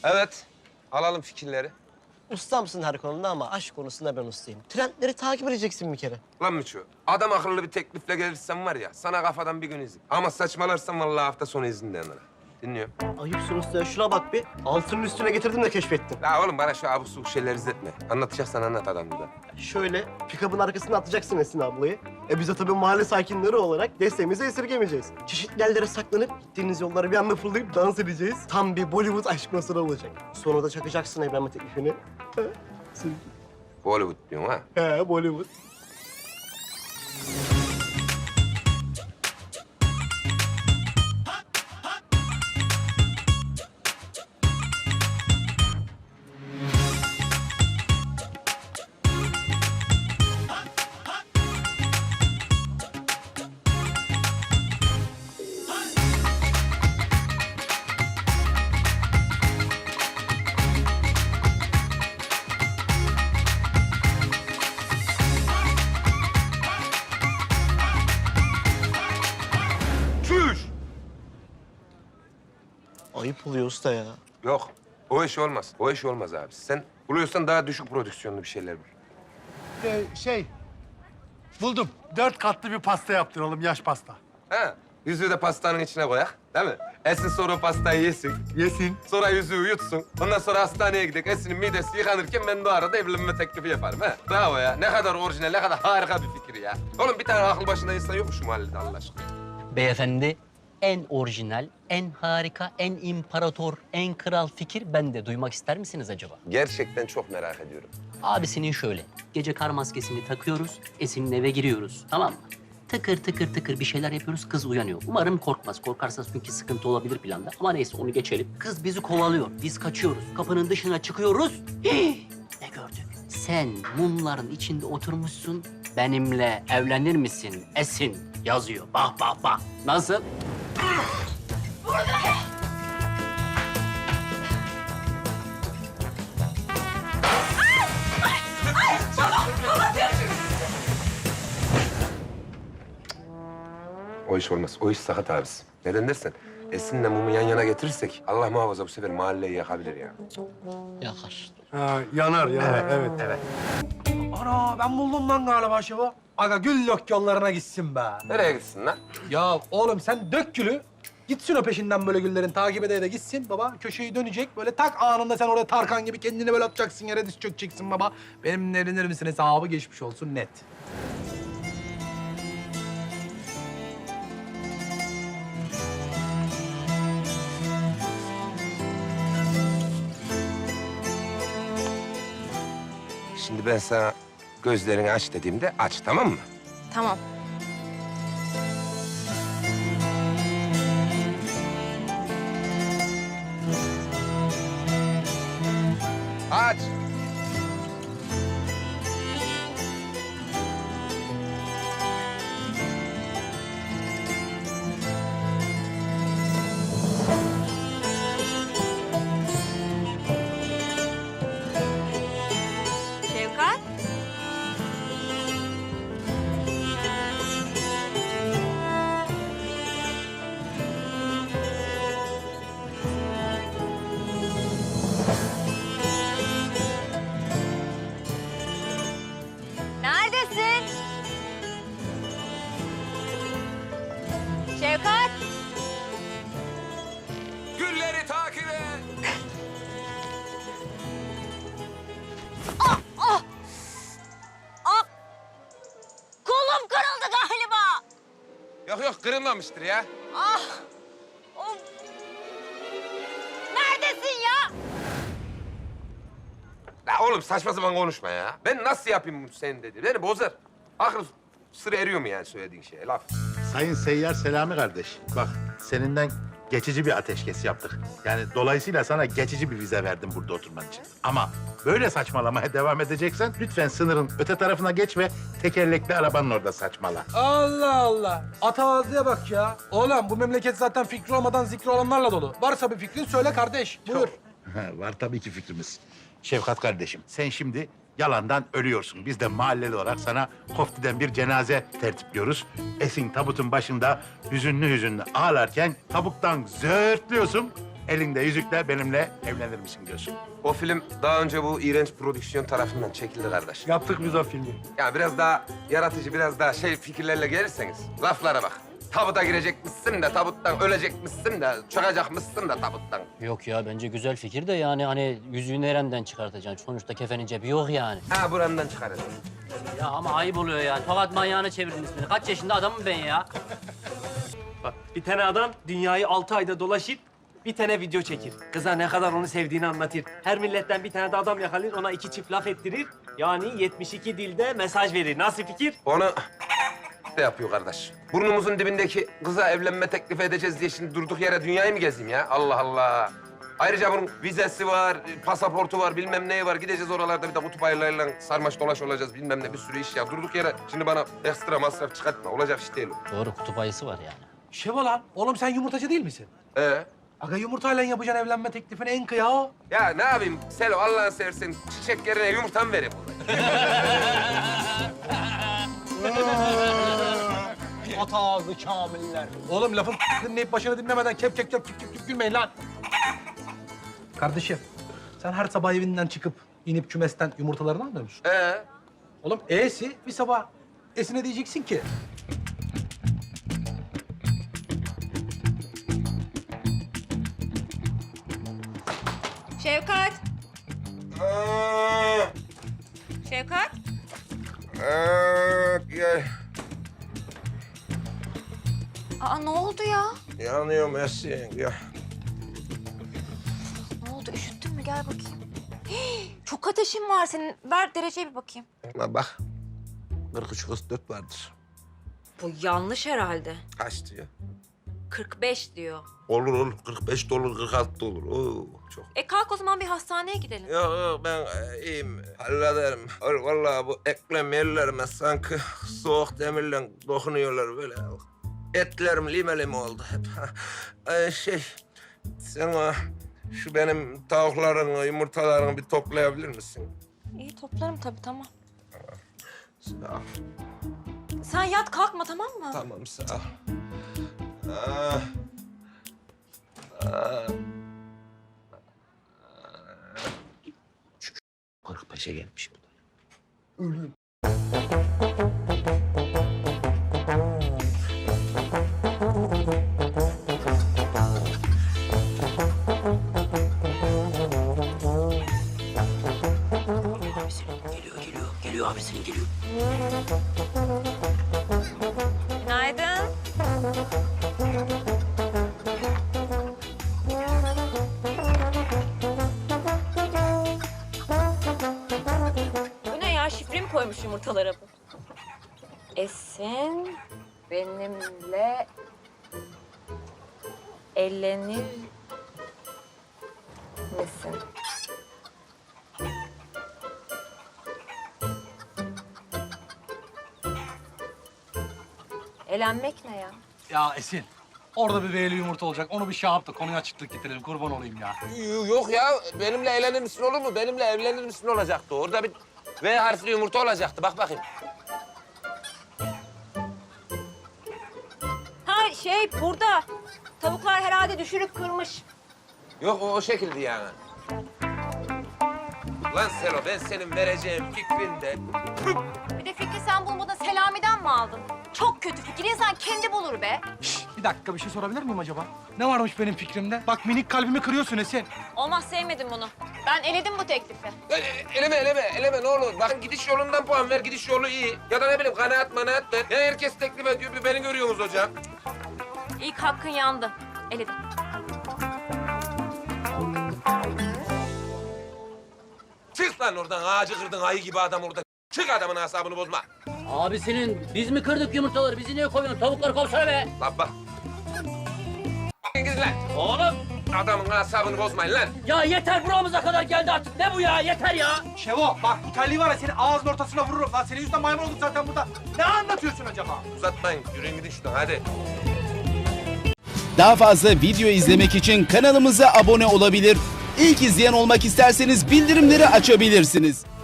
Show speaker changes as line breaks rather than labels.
Evet. Alalım fikirleri.
Ustamsın her konuda ama aşk konusunda ben ustayım. Trendleri takip edeceksin bir kere.
Lan Miço, adam akıllı bir teklifle gelirsen var ya, sana kafadan bir gün izin. Ama saçmalarsan vallahi hafta sonu izin de yanına. Dinliyorum.
Ayıpsın usta ya. Şuna bak bir. Altının üstüne getirdim de keşfettim.
La oğlum bana şu abuk subuk şeyleri izletme. Anlatacaksan anlat adam gibi.
Şöyle pick-up'ın arkasına atacaksın Esin ablayı. Biz de tabii mahalle sakinleri olarak desteğimizi esirgemeyeceğiz. Çeşitli yerlere saklanıp gittiğiniz yolları bir anda fırlayıp dans edeceğiz. Tam bir Bollywood aşk masası olacak. Sonra da çakacaksın evlenme teklifini.
Bollywood diyorsun ha.
He, Bollywood.
Çüş!
Ayıp oluyor usta ya.
Yok, o iş olmaz. O iş olmaz abi. Sen buluyorsan daha düşük prodüksiyonlu bir şeyler bul.
Buldum. 4 katlı bir pasta yaptıralım, yaş pasta.
Ha, yüzüğü de pastanın içine koyak, değil mi? Esin sonra o pastayı yesin.
Yesin.
Sonra yüzüğü yutsun. Ondan sonra hastaneye gidek. Esin'in midesi yıkanırken ben de o arada evlenme teklifi yaparım. Ha? Bravo ya. Ne kadar orijinal, ne kadar harika bir fikir ya. Oğlum bir tane akıl başında insan yok mu şu mahallede Allah aşkına?
Beyefendi, en orijinal, en harika, en imparator, en kral fikir bende. Duymak ister misiniz acaba?
Gerçekten çok merak ediyorum.
Abisinin şöyle, gece kar maskesini takıyoruz, Esin'in eve giriyoruz, tamam mı? Tıkır tıkır tıkır bir şeyler yapıyoruz, kız uyanıyor. Umarım korkmaz. Korkarsa çünkü sıkıntı olabilir planda. Ama neyse onu geçelim. Kız bizi kovalıyor, biz kaçıyoruz. Kapının dışına çıkıyoruz. Hii! Ne gördük? Sen mumların içinde oturmuşsun, benimle evlenir misin Esin yazıyor. Bak bak bak. Nasıl?
O iş olmaz. O iş sakat abisi. Neden dersen, Esin'le mumu yan yana getirirsek Allah muhafaza bu sefer mahalleyi yakabilir ya.
Yakar.
Ha, yanar, yanar. Evet. Ana, ben buldum lan galiba şevo. Aga gül yok yollarına gitsin be.
Nereye gitsin lan?
Ya oğlum sen dök gülü. Gitsin o peşinden böyle güllerin takip ede de gitsin baba. Köşeyi dönecek böyle tak anında sen oraya Tarkan gibi kendini böyle atacaksın yere diz çökeceksin baba. Benimle evlenir misin hesabı geçmiş olsun net.
Şimdi ben sana gözlerini aç dediğimde aç, tamam mı?
Tamam.
Aç.
Şevkat. Neredesin? Şevkat.
Gülleri takip et.
Kolum kırıldı galiba.
Yok yok, kırılmamıştır ya.
Ah! Of! Neredesin ya?
La oğlum saçma sapan konuşma ya. Ben nasıl yapayım bunu senin dedi. Beni bozar. Akıl sırrı eriyor mu yani söylediğin şeye laf?
Sayın Seyyar Selami kardeş, bak seninden geçici bir ateşkes yaptık. Yani dolayısıyla sana geçici bir vize verdim burada oturman için. Ama böyle saçmalamaya devam edeceksen lütfen sınırın öte tarafına geç ve tekerlekli arabanın orada saçmala.
Allah Allah. Atavadıya bak ya. Oğlum bu memleket zaten fikri olmadan zikri olanlarla dolu. Varsa bir fikrin söyle kardeş. Buyur.
Var tabii ki fikrimiz. Şefkat kardeşim, sen şimdi yalandan ölüyorsun. Biz de mahalleli olarak sana Kofti'den bir cenaze tertipliyoruz. Esin tabutun başında hüzünlü hüzünlü ağlarken tabuttan zörtlüyorsun. elinde yüzükle benimle evlenir misin diyorsun.
O film daha önce bu iğrenç prodüksiyon tarafından çekildi kardeş.
Yaptık biz o filmi.
Ya biraz daha yaratıcı, biraz daha fikirlerle gelirseniz laflara bak. Tabuta girecekmişsin de, tabuttan ölecekmişsin de, çıkacakmışsın da tabuttan.
Yok ya bence güzel fikir de yani hani yüzüğü nereden çıkartacaksın? Sonuçta kefenin cebi yok yani.
Ha burandan çıkarız.
Ya ama ayıp oluyor yani. Tokat manyağına çevirdin ismini. Kaç yaşında adamım ben ya?
Bak bir tane adam dünyayı 6 ayda dolaşıp bir tane video çekir. Kıza ne kadar onu sevdiğini anlatır. Her milletten bir tane de adam yakalar, ona 2 çift laf ettirir. Yani 72 dilde mesaj verir. Nasıl fikir?
Onu de yapıyor kardeş. Burnumuzun dibindeki kıza evlenme teklif edeceğiz diye şimdi durduk yere dünyayı mı gezeyim ya? Allah Allah. Ayrıca bunun vizesi var, pasaportu var, bilmem neyi var. Gideceğiz oralarda bir de kutup ayılarıyla sarmaş dolaş olacağız, bilmem ne bir sürü iş ya. Durduk yere şimdi bana ekstra masraf çıkartma. Olacak iş değil o.
Doğru kutup ayısı var yani.
Şeva lan, oğlum sen yumurtacı değil misin? Aga yumurtayla yapacaksın evlenme teklifini en kıya o.
Ya ne yapayım Selo Allah'ını seversen çiçek yerine yumurta mı vereyim?
At ağzı kamiller. Oğlum lafın dinleyip başını dinlemeden kep kep kep kep kep gülmeyin lan. Kardeşim, sen her sabah evinden çıkıp inip kümesten yumurtalarını almıyor musun? Oğlum E'si bir sabah E'sine diyeceksin ki.
Şevkat. Şevkat.
Gel.
Aa ne oldu ya?
Yanıyorum Esin ya.
Ne oldu? Üşüttün mü? Gel bakayım. Hii, çok ateşin var senin. Ver dereceye bir bakayım.
Bak. 43-44 vardır.
Bu yanlış herhalde.
Kaç diyor?
45 diyor.
Olur 45 de olur 46 da olur. Oo, çok.
Kalk o zaman bir hastaneye gidelim.
Yok ben iyiyim. Hallederim. Vallahi bu eklem yerlerime sanki soğuk demirle dokunuyorlar böyle. Etlerim limeli oldu hep. Sen şu benim tavukların, yumurtalarını bir toplayabilir misin?
İyi toplarım tabii tamam.
Sağ ol.
Sen yat kalkma tamam mı?
Tamam sağ ol. Ah. Ah. 45'e gelmiş bu da.
Geliyor abisinin geliyor.
Günaydın. Bu ne ya? Şifre mi koymuş yumurtalara bu? Esin benimle evlenir misin? Elenmek ne ya?
Ya Esin, orada bir V'li yumurta olacak. Onu bir şey yap da konuya açıklık getirelim. Kurban olayım ya.
Yok ya, benimle evlenir misin olur mu? Benimle evlenir misin olacaktı. Orada bir V harfli yumurta olacaktı. Bak bakayım.
Ha burada. Tavuklar herhalde düşürüp kırmış.
Yok o şekilde yani. Lan Selo, ben senin vereceğin fikrinde...
Bir de fikri sen bulmadan Selami'den mi aldın? Çok kötü fikir. İnsan kendi bulur be.
Bir dakika bir şey sorabilir miyim acaba? Ne varmış benim fikrimde? Bak minik kalbimi kırıyorsun Esin.
Olmaz sevmedim bunu. Ben eledim bu teklifi.
Eleme ne olur. Bakın gidiş yolundan puan ver, gidiş yolu iyi. Ya da ne bileyim kanaat ver. Ya herkes teklif ediyor, bir beni görüyorsunuz hocam.
İlk hakkın yandı. Eledim.
Çık lan oradan, ağacı kırdın ayı gibi adam orada. Çık adamın asabını bozma.
Abisinin biz mi kırdık yumurtaları? Bizi niye koyuyorsun? Tavukları kovsana be.
Lan bak. Gidin lan.
Oğlum
Adamın asabını bozmayın lan.
ya yeter buramıza kadar geldi artık. Ne bu ya? Yeter ya.
Şevo bak bu terliği var ya senin ağzının ortasına vururum. Lan senin yüzünden maymun olduk zaten burada. Ne anlatıyorsun acaba?
Uzatmayın, yürüyün gidin şuradan hadi.
Daha fazla video izlemek için kanalımıza abone olabilir. İlk izleyen olmak isterseniz bildirimleri açabilirsiniz.